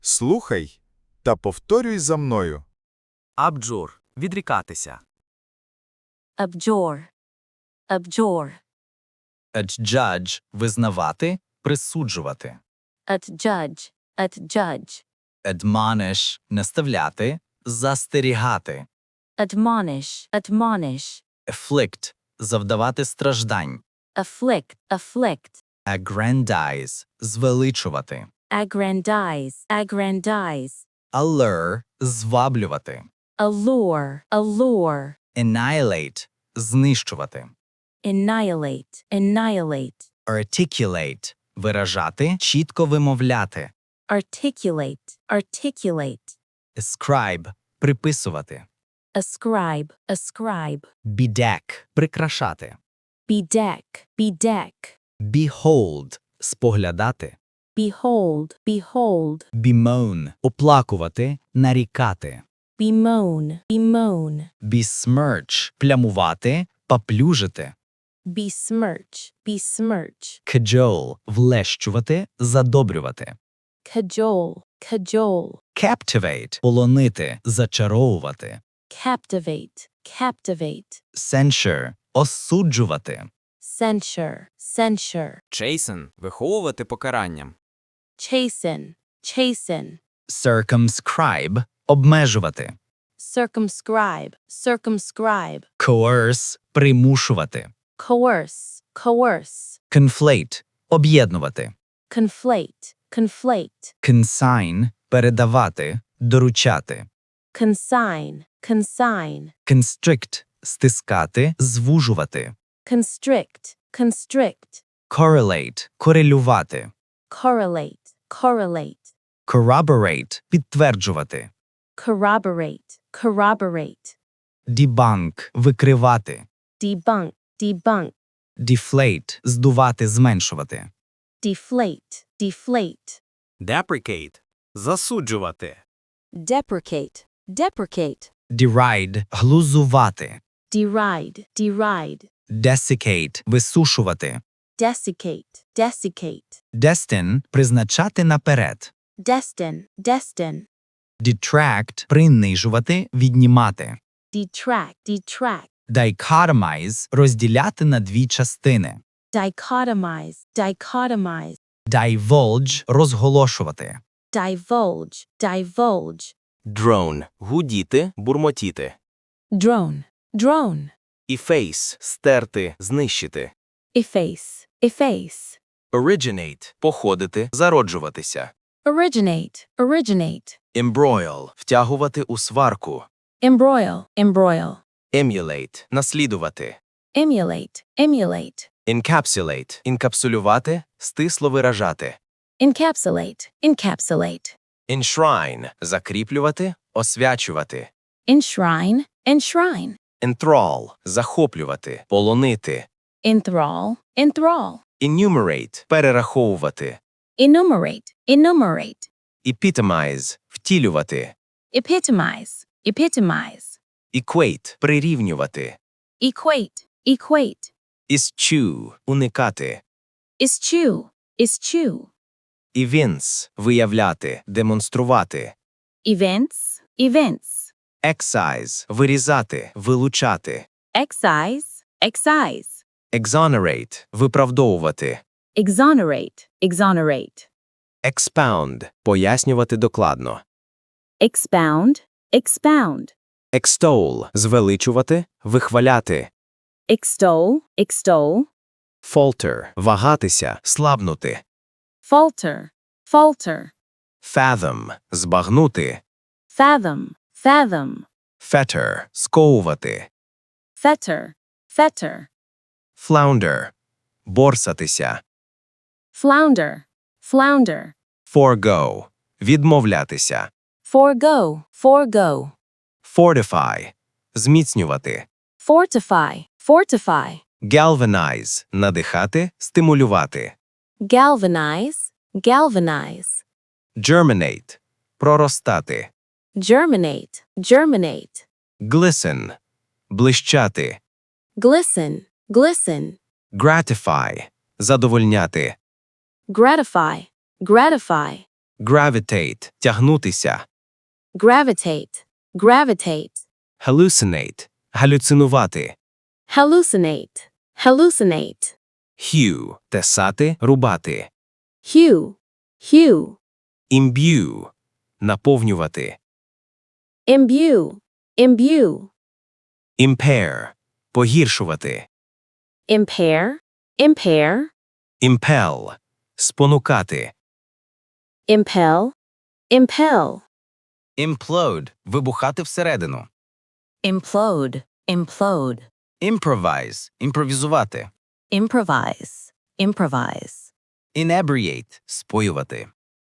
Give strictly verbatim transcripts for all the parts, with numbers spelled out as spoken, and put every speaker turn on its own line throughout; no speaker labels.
Слухай та повторюй за мною.
Абджур – відрікатися.
Abjure. Abjure.
Adjudge – визнавати, присуджувати.
Adjudge. Adjudge.
Admonish – наставляти, застерігати.
Admonish. Admonish.
Afflict – завдавати страждань.
Afflict. Afflict.
Aggrandize – звеличувати.
Aggrandize. Aggrandize.
Allure – зваблювати.
Allure. Allure.
Annihilate – знищувати.
Annihilate. Annihilate.
Articulate – виражати, чітко вимовляти.
Articulate. Articulate.
Ascribe – приписувати.
Ascribe. Ascribe.
Bedeck – прикрашати.
Bedeck. Bedeck.
Behold – споглядати.
Behold. Behold.
Bemoan – оплакувати, нарікати.
Bemoan. Bemoan.
Besmirch – плямувати, поплюжити.
Besmirch. Besmirch.
Cajole – влещувати, задобрювати.
Cajole. Cajole.
Captivate – полонити, зачаровувати.
Captivate. Captivate.
Censure – осуджувати.
Censure. Censure.
Chasten – виховувати покаранням.
Chasten. Chasten.
Circumscribe – обмежувати.
Circumscribe. Circumscribe.
Coerce – примушувати.
Coerce. Coerce.
Conflate – об'єднувати.
Conflate. Conflate.
Consign – передавати, доручати.
Consign. Consign.
Constrict – стискати, звужувати.
Constrict. Constrict.
Correlate – корелювати.
Correlate. Correlate.
Corroborate – підтверджувати.
Corroborate. Corroborate.
Debunk – викривати.
Debunk. Debunk.
Deflate – здувати, зменшувати.
Deflate. Deflate.
Deprecate – засуджувати.
Deprecate. Deprecate.
Deride – глузувати.
Deride. Deride.
Desiccate – висушувати.
Desiccate. Desiccate.
Destine – призначати наперед.
Destin. Destin.
Detract – принижувати, віднімати.
Detract. Detract.
Dichotomize – розділяти на дві частини.
Dichotomize. Dichotomize.
Divulge – розголошувати.
Divulge. Divulge.
Drone – гудіти, бурмотіти.
Drone. Drone.
Efface – стерти, знищити.
Efface. Efface.
Originate – походити, зароджуватися.
Originate. Originate.
Embroil – втягувати у сварку.
Embroil. Embroil.
Emulate – наслідувати.
Emulate. Emulate.
Encapsulate – інкапсулювати, стисло виражати.
Encapsulate. Encapsulate.
Enshrine – закріплювати, освячувати.
Enshrine. Enshrine.
Enthrall – захоплювати, полонити.
Enthrall. Enthrall.
Enumerate – перераховувати.
Enumerate. Enumerate.
Epitomize – втілювати.
Epitomize. Epitomize.
Equate – прирівнювати.
Equate. Equate.
Eschew – уникати.
Eschew. Eschew.
Evince – виявляти, демонструвати.
Events. Events.
Excise – вирізати, вилучати.
Excise. Excise.
Exonerate – виправдовувати.
Exonerate. Exonerate.
Expound – пояснювати докладно.
Expound. Expound.
Extol – звеличувати, вихваляти.
Extol. Extol.
Falter – вагатися, слабнути.
Falter. Falter.
Fathom – збагнути.
Fathom. Fathom.
Fetter – сковувати.
Fetter. Fetter.
Flounder – борсатися.
Flounder. Flounder.
Forego – відмовлятися.
Forego. Forego.
Fortify – зміцнювати.
Fortify. Fortify.
Galvanize – надихати, стимулювати.
Galvanize. Galvanize.
Germinate – проростати.
Germinate. Germinate.
Glisten – блищати.
Glisten. Glisten.
Gratify – задовольняти.
Gratify. Gratify.
Gravitate – тягнутися.
Gravitate. Gravitate.
Hallucinate – галюцинувати.
Hallucinate. Hallucinate.
Hew – тесати, рубати.
Hue. Hue.
Imbue – наповнювати.
Imbue. Imbue.
Impair – погіршувати.
Impair. Impair.
Impel – спонукати.
Impel. Impel.
Implode – вибухати всередину.
Implode, implode.
Improvise – імпровізувати.
Improvise, improvise.
Inebriate – споювати.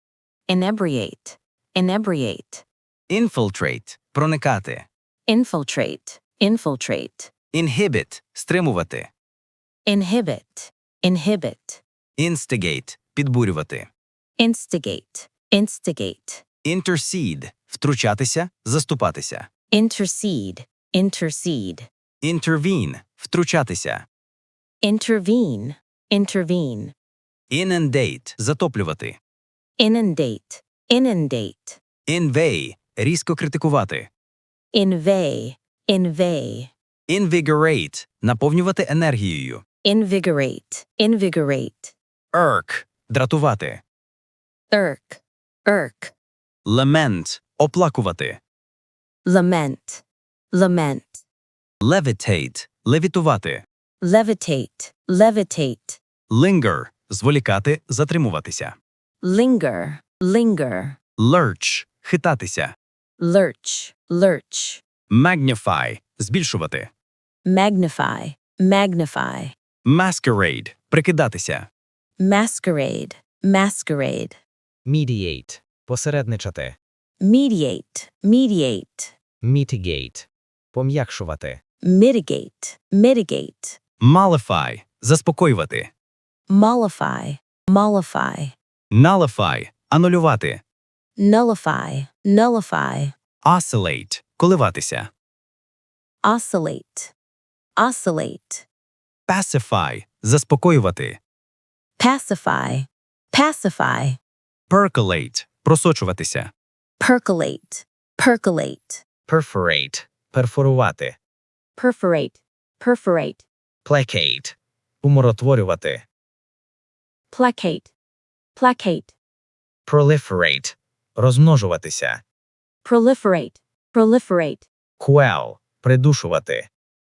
Inebriate, inebriate.
Infiltrate – проникати.
Infiltrate, infiltrate.
Inhibit – стримувати.
Inhibit, inhibit.
Instigate – підбурювати.
Instigate, instigate.
Intercede – втручатися, заступатися.
Intercede, intercede.
Intervene – втручатися.
Intervene, intervene.
Inundate – затоплювати.
Inundate, inundate.
Invey – різко критикувати.
Invey, invey.
Invigorate – наповнювати енергією.
Invigorate, invigorate.
Irk – дратувати.
Irk, irk.
Lament – оплакувати.
Lament, lament.
Levitate – левітувати.
Levitate, levitate.
Linger – зволікати, затримуватися.
Linger, linger.
Lurch – хитатися.
Lurch, lurch.
Magnify – збільшувати.
Magnify, magnify.
Masquerade – прикидатися.
Masquerade, masquerade.
Mediate – посередничати.
Mediate, mediate.
Mitigate – пом'якшувати.
Mitigate, mitigate.
Mollify – заспокоювати.
Mollify, mollify.
Nullify – анулювати.
Nullify, nullify.
Oscillate – коливатися.
Oscillate, oscillate.
Pacify – заспокоювати.
Pacify, pacify.
Percolate – просочуватися.
Percolate, percolate.
Perforate – перфорувати.
Perforate. Perforate.
Placate – умиротворювати.
Placate. Placate.
Proliferate – розмножуватися.
Proliferate. Proliferate.
Quell – придушувати.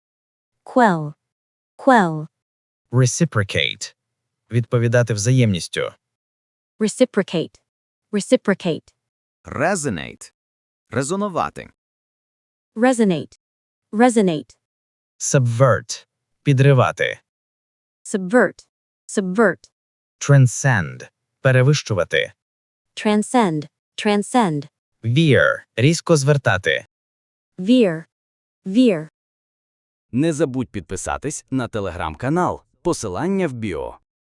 Quell. Quell.
Reciprocate – відповідати взаємністю.
Reciprocate. Reciprocate.
Resonate – резонувати.
Resonate. Resonate.
Subvert – підривати.
Subvert. Subvert.
Transcend – перевищувати.
Transcend. Transcend.
Veer – різко звертати.
Veer. Veer.
Не забудь підписатись на телеграм-канал. Посилання в біо.